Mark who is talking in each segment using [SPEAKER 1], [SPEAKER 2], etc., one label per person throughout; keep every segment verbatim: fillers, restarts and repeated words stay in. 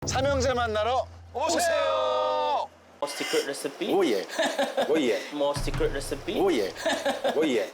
[SPEAKER 1] 삼형제 만나러 오세요.
[SPEAKER 2] More secret recipe.
[SPEAKER 1] 오예, 오예,
[SPEAKER 2] More secret recipe.
[SPEAKER 1] 오예, 오예.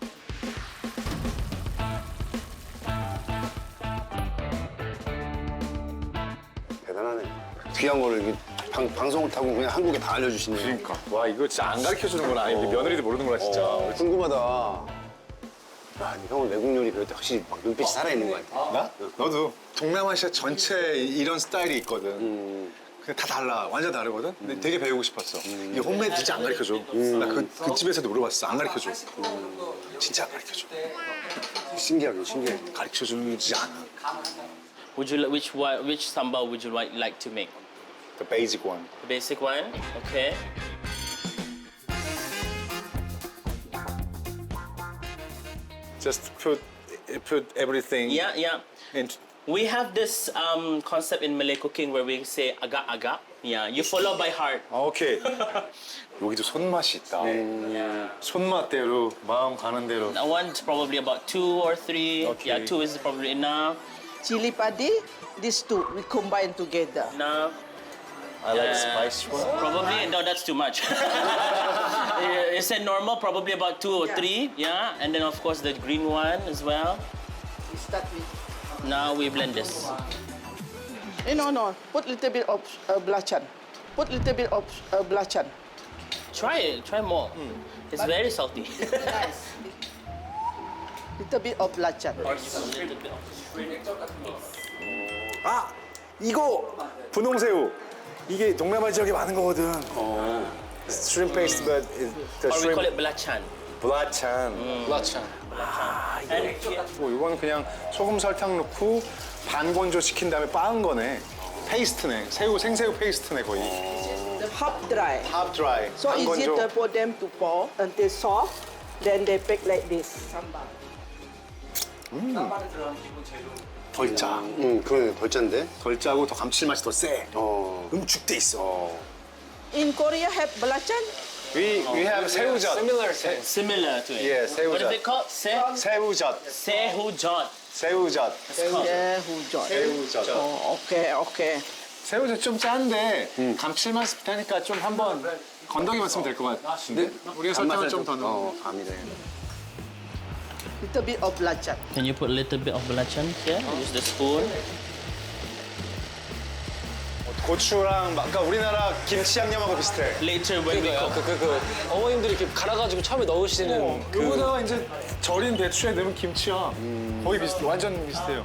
[SPEAKER 3] 대단하네. 귀한 거를 이렇게 방, 방송을 타고 그냥 한국에 다 알려주시네.
[SPEAKER 1] 그러니까 와 이거 진짜 안 가르쳐 주는구나. 아니 우리 며느리도 모르는구나 진짜.
[SPEAKER 3] 어, 궁금하다. 야, 형은 외국 요리 배울 때 확실히 막 눈빛이 살아있는 것 같아.
[SPEAKER 1] 나? 너도 동남아시아 전체 이런 스타일이 있거든.
[SPEAKER 3] 음.
[SPEAKER 1] 근데 다 달라. 완전 다르거든. 근데 되게 배우고 싶었어. 이 홈메이드 진짜 안 가르쳐 줘. 나 그 그 집에서도 물어봤어. 안 가르쳐 줘. 진짜 안 가르쳐 줘.
[SPEAKER 3] 신기하게, 신기해.
[SPEAKER 1] 가르쳐 주지 않아.
[SPEAKER 2] Would you li- which one, which sambal would you like like to make?
[SPEAKER 1] The basic one.
[SPEAKER 2] The basic one. Okay.
[SPEAKER 1] Just put put everything.
[SPEAKER 2] Yeah, yeah.
[SPEAKER 1] in.
[SPEAKER 2] We have this um, concept in Malay cooking where we say agak agak. Yeah, you follow by heart.
[SPEAKER 1] 아, 오케이. 여기도 손맛이 있다.
[SPEAKER 2] Yeah.
[SPEAKER 1] 손맛대로 마음 가는 대로.
[SPEAKER 2] I want probably about two or three.
[SPEAKER 1] Okay.
[SPEAKER 2] Yeah, two is probably enough.
[SPEAKER 4] Chili padi, these two we combine together.
[SPEAKER 2] Enough.
[SPEAKER 1] I like
[SPEAKER 2] Yeah.
[SPEAKER 1] spice one.
[SPEAKER 2] Probably no, that's too much. You said normal, probably about two or
[SPEAKER 4] Yeah.
[SPEAKER 2] three. Yeah, and then of course the green one as well.
[SPEAKER 4] We start with.
[SPEAKER 2] Now we blend this.
[SPEAKER 4] Eh, no, no. Put little bit of uh, belacan. Put little bit of uh, belacan.
[SPEAKER 2] Try it. Try more. It's very salty.
[SPEAKER 4] Nice. Little bit of belacan.
[SPEAKER 1] 아 이거 분홍새우. 이게 동남아 지역에 많은 거거든. Shrimp paste, but it- the
[SPEAKER 2] Or we call
[SPEAKER 1] shrimp
[SPEAKER 2] it belacan.
[SPEAKER 1] 블라찬.
[SPEAKER 2] Belacan. And
[SPEAKER 1] 뭐 이거는 그냥 소금 설탕 넣고 반건조 시킨 다음에 빻은 거네. 페이스트네. 새우 생새우 페이스트네 거의.
[SPEAKER 4] Half dry.
[SPEAKER 1] Half dry.
[SPEAKER 4] So easy
[SPEAKER 1] 반건조.
[SPEAKER 4] for them to pour until soft. Then they bake like this. Sambal.
[SPEAKER 1] 덜 짜.
[SPEAKER 3] 응, 그러네. 덜 짠데?
[SPEAKER 1] 덜 짜고 더 감칠맛이 더 세.
[SPEAKER 3] 어.
[SPEAKER 1] 응축돼 있어.
[SPEAKER 4] In Korea have belacan?
[SPEAKER 1] We we have 새우젓.
[SPEAKER 2] similar to it.
[SPEAKER 1] Yeah,
[SPEAKER 2] What
[SPEAKER 1] 새우젓.
[SPEAKER 2] is it called? Se
[SPEAKER 1] 새우젓.
[SPEAKER 2] sehujot.
[SPEAKER 1] 새우젓.
[SPEAKER 4] Yeah, who join?
[SPEAKER 1] 새우젓.
[SPEAKER 4] Oh, okay, okay.
[SPEAKER 1] 새우젓 좀 짠데 감칠맛 나니까 좀 한번 건더기만 쓰면 될 것 같은데. 우리가 설탕을 좀 더 넣어.
[SPEAKER 3] 어, 감이네.
[SPEAKER 4] Little bit of belacan.
[SPEAKER 2] Can you put a little bit of belacan here? Use the spoon.
[SPEAKER 1] 고추랑 막- 그러니까 우리나라 김치 양념하고 비슷해.
[SPEAKER 2] Later when we
[SPEAKER 5] 그러니까
[SPEAKER 2] cook.
[SPEAKER 5] 그, 그, 그 어머님들이 이렇게 갈아가지고 처음에 넣으시는 그
[SPEAKER 1] 그거다가 이제 절인 배추에 넣으면 김치야. 거의 비슷, 완전 비슷해요.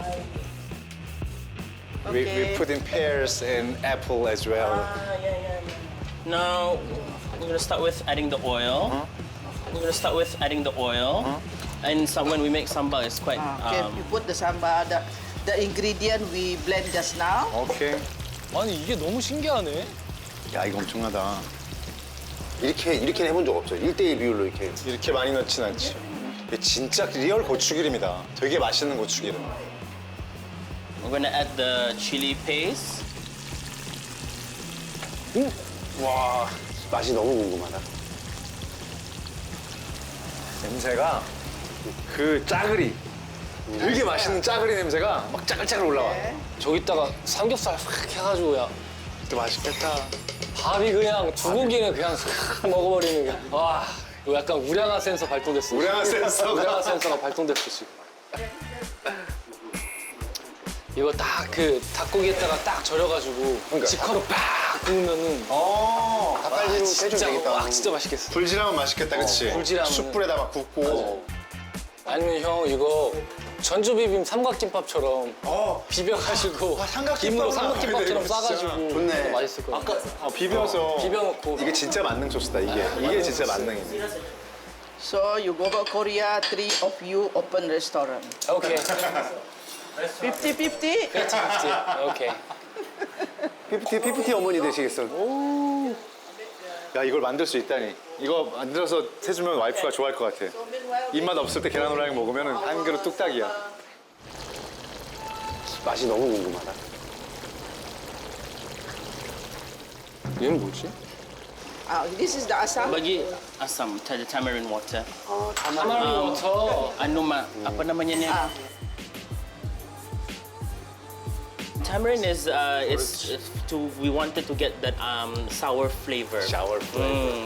[SPEAKER 1] We, we
[SPEAKER 4] Okay.
[SPEAKER 1] put in pears and apple as well.
[SPEAKER 2] Now we're gonna start with adding the oil. We're gonna start with adding the oil. And so when we make sambal, it's quite.
[SPEAKER 4] Okay,
[SPEAKER 2] Um,
[SPEAKER 4] you put the sambal, the, the ingredient we blend just now.
[SPEAKER 1] 오케이.
[SPEAKER 5] 아니 이게 너무 신기하네.
[SPEAKER 1] 야 이거 엄청나다.
[SPEAKER 3] 이렇게, 이렇게 해본 적 없어요. 일 대일 비율로 이렇게.
[SPEAKER 1] 이렇게 많이 넣진 않지. 이게 진짜 리얼 고추기름이다. 되게 맛있는 고추기름.
[SPEAKER 2] we're gonna add the chili paste.
[SPEAKER 1] 와
[SPEAKER 3] 맛이 너무 궁금하다.
[SPEAKER 1] 냄새가 그 짜글이 되게 맛있는 짜글이 냄새가 막 짜글짜글 올라와.
[SPEAKER 5] 저기다가 삼겹살 확 해가지고 야
[SPEAKER 1] 또 맛있겠다.
[SPEAKER 5] 밥이 그냥 두 고기는 그냥 싹 먹어버리는 게. 와 이거 약간 우량한 센서 발동됐어.
[SPEAKER 1] 우량한 센서가.
[SPEAKER 5] 우량한 센서가 발동됐어 지금. 이거 딱 그 닭고기에다가 딱 절여가지고
[SPEAKER 1] 그러니까.
[SPEAKER 5] 직화로 팍 구우면은
[SPEAKER 1] 어.
[SPEAKER 3] 닭갈비로 해주면
[SPEAKER 5] 진짜
[SPEAKER 3] 되겠다.
[SPEAKER 5] 와 진짜 맛있겠어.
[SPEAKER 1] 불질하면 맛있겠다, 그치?
[SPEAKER 5] 불질하면은-
[SPEAKER 1] 숯불에다 막 굽고.
[SPEAKER 5] 아니면 형 이거 전주 비빔 삼각김밥처럼
[SPEAKER 1] 어.
[SPEAKER 5] 비벼가지고
[SPEAKER 1] 아, 삼각김밥은
[SPEAKER 5] 김으로
[SPEAKER 1] 안
[SPEAKER 5] 삼각김밥처럼
[SPEAKER 1] 보이네,
[SPEAKER 5] 싸가지고
[SPEAKER 3] 좋네.
[SPEAKER 5] 진짜 맛있을 거야. 아까
[SPEAKER 1] 어, 비벼서.
[SPEAKER 5] 비벼놓고
[SPEAKER 1] 이게 진짜 만능 소스다, 이게. 이게 진짜 만능이네.
[SPEAKER 4] So you go to Korea, three of you open restaurant.
[SPEAKER 5] 오케이
[SPEAKER 4] fifty fifty?
[SPEAKER 5] 그렇지 그렇지 오케이.
[SPEAKER 3] 피프티, 피프티 어머니 되시겠어.
[SPEAKER 1] 야, 이걸 만들 수 있다니. 이거 만들어서 해주면 와이프가 좋아할 것 같아. 입맛 없을 때 계란 후라이 먹으면 한 그릇 뚝딱이야.
[SPEAKER 3] 맛이 너무 궁금하다.
[SPEAKER 5] 얘는 뭐지?
[SPEAKER 4] Ah, this is the asam.
[SPEAKER 2] Bagi asam, the tamarind water.
[SPEAKER 5] 타마린 워터.
[SPEAKER 2] Anu mak, apa namanya ni?
[SPEAKER 4] Ah,
[SPEAKER 2] tamarind is uh, it's it's to we wanted to get that um, sour flavor.
[SPEAKER 1] Sour flavor.
[SPEAKER 2] Mm.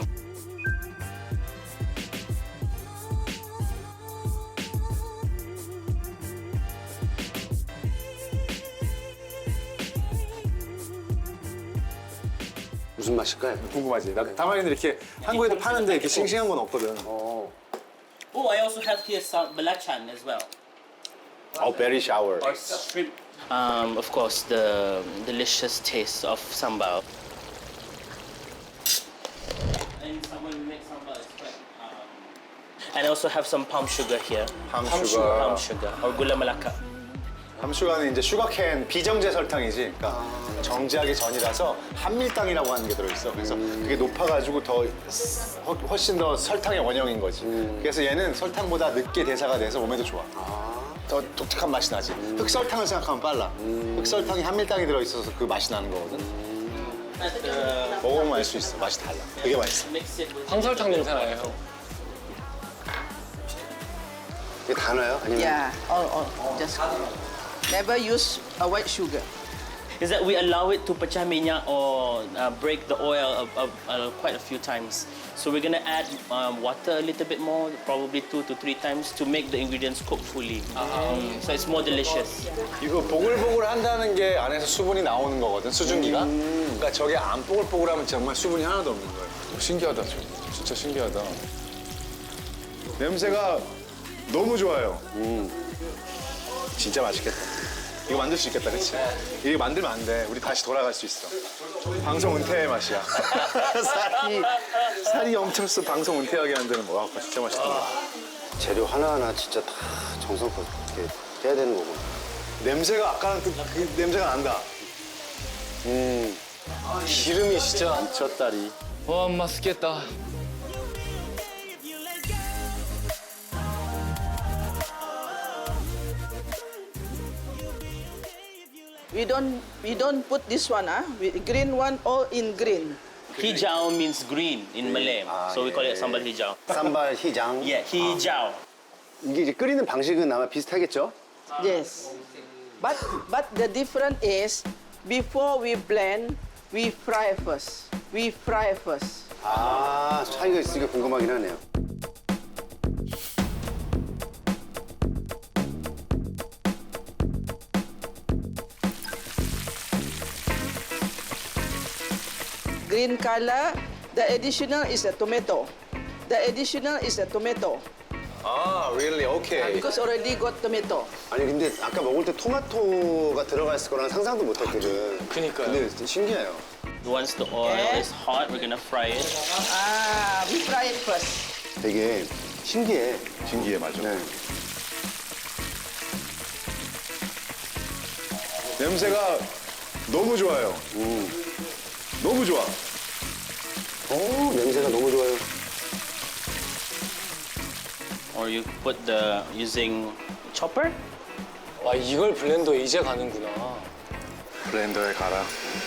[SPEAKER 3] 무슨 맛일까요?
[SPEAKER 1] 궁금하지? 나 타마린드 이렇게 한국에도 파는데 이렇게 싱싱한 건 없거든.
[SPEAKER 3] 어.
[SPEAKER 2] Oh, I also have here some balachan as well.
[SPEAKER 1] Oh, berry shower.
[SPEAKER 2] Or shrimp. Um, of course, the delicious taste of sambal. And someone who makes sambal is quite. Um, and I also have some palm sugar here.
[SPEAKER 1] palm
[SPEAKER 2] Palm
[SPEAKER 1] sugar.
[SPEAKER 2] Palm sugar or gula melaka.
[SPEAKER 1] 함슈가는 이제 슈가캔 비정제 설탕이지. 그러니까 정제하기 전이라서 한밀당이라고 하는 게 들어있어. 그래서 그게 높아가지고 더 허- 훨씬 더 설탕의 원형인 거지. 그래서 얘는 설탕보다 늦게 대사가 돼서 몸에도 좋아. 더 독특한 맛이 나지. 흑설탕을 생각하면 빨라. 흑설탕이 한밀당이 들어있어서 그 맛이 나는 거거든.
[SPEAKER 2] And, uh,
[SPEAKER 1] 먹어보면 알 수 있어. 맛이 달라. 되게 맛있어.
[SPEAKER 2] mix it with.
[SPEAKER 5] 황설탕 냄새 나요, 형.
[SPEAKER 3] 이게 다 넣어요? 아니면
[SPEAKER 4] Yeah, all, all, just never use a white sugar.
[SPEAKER 2] Is that we allow it to pecah minyak or uh, break the oil of, of, uh, quite a few times. So we're gonna add um, water a little bit more, probably two to three times, to make the ingredients cook fully. Mm, so it's more delicious.
[SPEAKER 1] 이거 보글보글 한다는 게 안에서 수분이 나오는 거거든, 수증기가. 그러니까 저게 안 보글보글하면 정말 수분이 하나도 없는 거예요. 신기하다, 저. 진짜 신기하다. 냄새가 너무 좋아요. 진짜 맛있겠다. 이거 만들 수 있겠다, 그치? 이거 만들면 안 돼. 우리 다시 돌아갈 수 있어. 방송 은퇴의 맛이야. 살이, 살이 엄청 써 방송 은퇴하게 만드는 거. 와, 그거 진짜 맛있다.
[SPEAKER 3] 재료 하나하나 진짜 다 정성껏 이렇게 해야 되는 거고.
[SPEAKER 1] 냄새가 아까랑 그, 그 냄새가 난다.
[SPEAKER 3] 음.
[SPEAKER 5] 기름이 진짜.
[SPEAKER 1] 미쳤다리.
[SPEAKER 5] 와, 맛있겠다.
[SPEAKER 4] We don't we don't put this one, ah. We, green one all in green.
[SPEAKER 2] Hijau means green in Malay, so we call it sambal hijau.
[SPEAKER 3] 쌈발 희장.
[SPEAKER 2] Yeah, hijau.
[SPEAKER 3] 이게 이제 끓이는 방식은 아마 비슷하겠죠?
[SPEAKER 4] Yes. But but the difference is before we blend, we fry first. We fry first.
[SPEAKER 3] 아, 차이가 있으니까 궁금하긴 하네요.
[SPEAKER 4] Green color, the additional is a tomato. The additional is a tomato
[SPEAKER 1] 아, really? 오케이.
[SPEAKER 4] because already got tomato.
[SPEAKER 3] 아니 근데 아까 먹을 때 토마토가 들어가 있을 거라는 상상도 못 했거든.
[SPEAKER 5] 그니까요.
[SPEAKER 3] 근데 진짜 신기해요.
[SPEAKER 2] Once the oil
[SPEAKER 4] Okay.
[SPEAKER 2] is hot, we're gonna fry it.
[SPEAKER 4] Ah, we fry it first.
[SPEAKER 3] 되게 신기해.
[SPEAKER 1] 신기해, 맞아.
[SPEAKER 3] 네.
[SPEAKER 1] 냄새가 너무 좋아요. 너무 좋아.
[SPEAKER 3] 오, 냄새가 너무 좋아요.
[SPEAKER 2] Or you put the using chopper.
[SPEAKER 5] 와, 이걸 블렌더 이제 가는구나.
[SPEAKER 1] 블렌더에 갈아.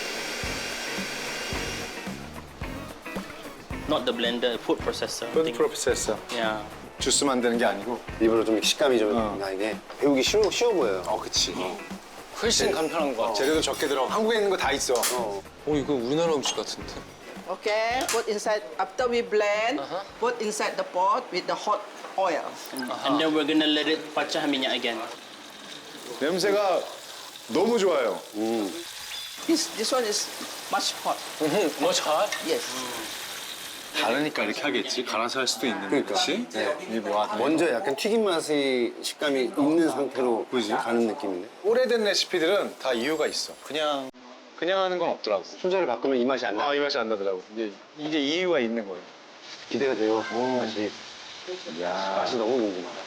[SPEAKER 2] Not the blender, food processor. I
[SPEAKER 1] 푸드
[SPEAKER 2] think.
[SPEAKER 1] 프로세서.
[SPEAKER 2] Yeah.
[SPEAKER 1] 주스 만드는 게 아니고.
[SPEAKER 3] 일부러 좀 식감이 좀
[SPEAKER 1] 어.
[SPEAKER 3] 나게 배우기 쉬워, 쉬워 보여요.
[SPEAKER 1] 어, 그치.
[SPEAKER 5] 훨씬 간편한 것 같아.
[SPEAKER 1] 재료도 적게 들어. 한국에 있는 거 다 있어.
[SPEAKER 3] 어.
[SPEAKER 5] 오, 이거 우리나라 음식 같은데?
[SPEAKER 4] Okay, put inside after we blend, put inside the pot with the hot oil.
[SPEAKER 2] And then we're gonna let it pecah minyak again.
[SPEAKER 1] 냄새가 너무 좋아요.
[SPEAKER 4] This this one is much hot.
[SPEAKER 5] 뭐 잘?
[SPEAKER 4] Yes.
[SPEAKER 1] 다르니까 이렇게 하겠지. 갈아서 할 수도 있는데,
[SPEAKER 3] 그러니까.
[SPEAKER 1] 그치?
[SPEAKER 3] 네.
[SPEAKER 1] 이게 뭐야?
[SPEAKER 3] 먼저 약간 튀김 맛의 식감이 있는 상태로 가는 느낌이네.
[SPEAKER 1] 오래된 레시피들은 다 이유가 있어. 그냥 그냥 하는 건 없더라고.
[SPEAKER 3] 순서를 바꾸면 이 맛이 안 나.
[SPEAKER 1] 아, 이 맛이 안 나더라고. 이제 이게 이유가 있는 거예요.
[SPEAKER 3] 기대가 돼요. 맛이.
[SPEAKER 1] 야,
[SPEAKER 3] 맛이 너무 궁금하다.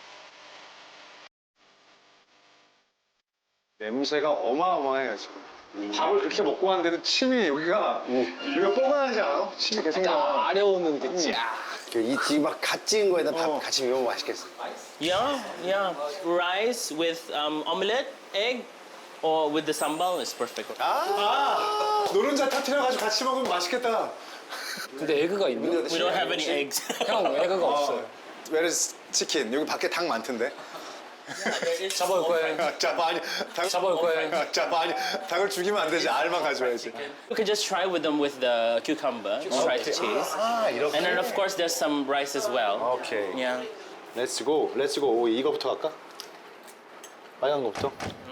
[SPEAKER 1] 냄새가 어마어마해요 지금. 밥을 그렇게 먹고 왔는데도 침이 여기가 여기가 뻐근하지 않아? 침이 계속 나.
[SPEAKER 5] 아려오는 게 쫙.
[SPEAKER 3] 이 지금 막갓 지은 거에다 밥
[SPEAKER 1] 어.
[SPEAKER 3] 같이 먹으면 맛있겠어.
[SPEAKER 2] Yeah, yeah. Rice with um, omelette, egg, or with the sambal is perfect.
[SPEAKER 1] 아, 노른자 터트려가지고 같이 먹으면 맛있겠다.
[SPEAKER 5] 근데 에그가 있나?
[SPEAKER 2] We don't have any eggs.
[SPEAKER 5] 형 에그가 없어요.
[SPEAKER 1] Where is 치킨? 여기 밖에 닭 많던데.
[SPEAKER 5] 잡아올 거예요.
[SPEAKER 1] 자, 많이 닭
[SPEAKER 5] 잡아올 거예요.
[SPEAKER 1] 자, 많이 닭을 죽이면 안 되지. 알만 가져야지.
[SPEAKER 2] You can just try with them with the cucumber, sliced cheese.
[SPEAKER 1] 아, 이렇게.
[SPEAKER 2] And then of course there's some rice as well.
[SPEAKER 1] 오케이.
[SPEAKER 2] Yeah.
[SPEAKER 1] 렛츠 고. 렛츠 고. 오, 이거부터 갈까? 빨간 거부터?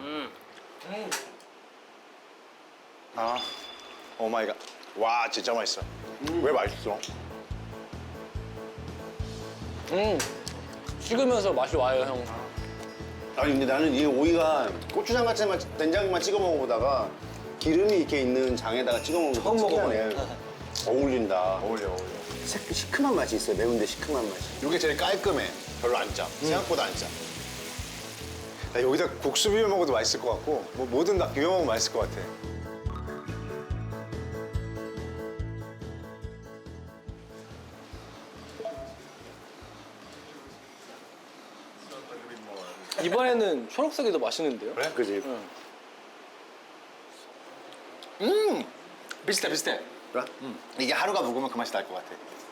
[SPEAKER 1] 아. 오 마이 갓. 와, 진짜 맛있어. 왜 맛있어?
[SPEAKER 5] 음. 식으면서 맛이 와요, 형.
[SPEAKER 3] 아니 근데 나는 이 오이가 고추장 같이 만 된장만 찍어 먹어보다가 기름이 이렇게 있는 장에다가 찍어 먹는 거
[SPEAKER 5] 처음
[SPEAKER 3] 특이하네. 어울린다.
[SPEAKER 1] 어울려, 어울려.
[SPEAKER 3] 시- 시큼한 맛이 있어요. 매운데 시큼한 맛이.
[SPEAKER 1] 이게 제일 깔끔해. 별로 안 짜. 생각보다 안 짜. 야, 여기다 국수 비벼 먹어도 맛있을 것 같고 뭐 뭐든 다 비벼 먹으면 맛있을 것 같아.
[SPEAKER 5] 이번에는 초록색이 더 맛있는데요?
[SPEAKER 1] 그래?
[SPEAKER 3] 그지?
[SPEAKER 1] 음! 비슷해, 비슷해. 그래? 음. 이게 하루가 묵으면 그 맛이 날 것 같아.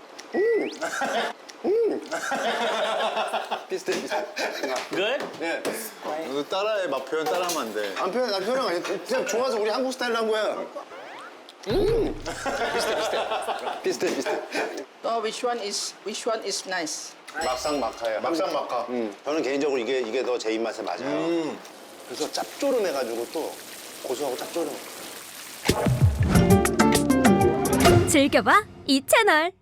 [SPEAKER 3] 비슷해 비슷해.
[SPEAKER 2] Good?
[SPEAKER 3] 예.
[SPEAKER 1] 너도 따라해. 맛 표현 따라하면 안 돼.
[SPEAKER 3] 안 표현 안 표현 아니 그냥 좋아서 우리 한국 스타일로 한 거야. 음. 비슷해 비슷해. 비슷해 비슷해.
[SPEAKER 4] So which one is which one is nice?
[SPEAKER 3] 막상 막하야.
[SPEAKER 1] 막상 막하.
[SPEAKER 3] 음. 저는 개인적으로 이게 이게 더 제 입맛에 맞아요.
[SPEAKER 1] 음.
[SPEAKER 3] 그래서 짭조름해가지고 또 고소하고 짭조름.
[SPEAKER 6] 즐겨봐 이 채널.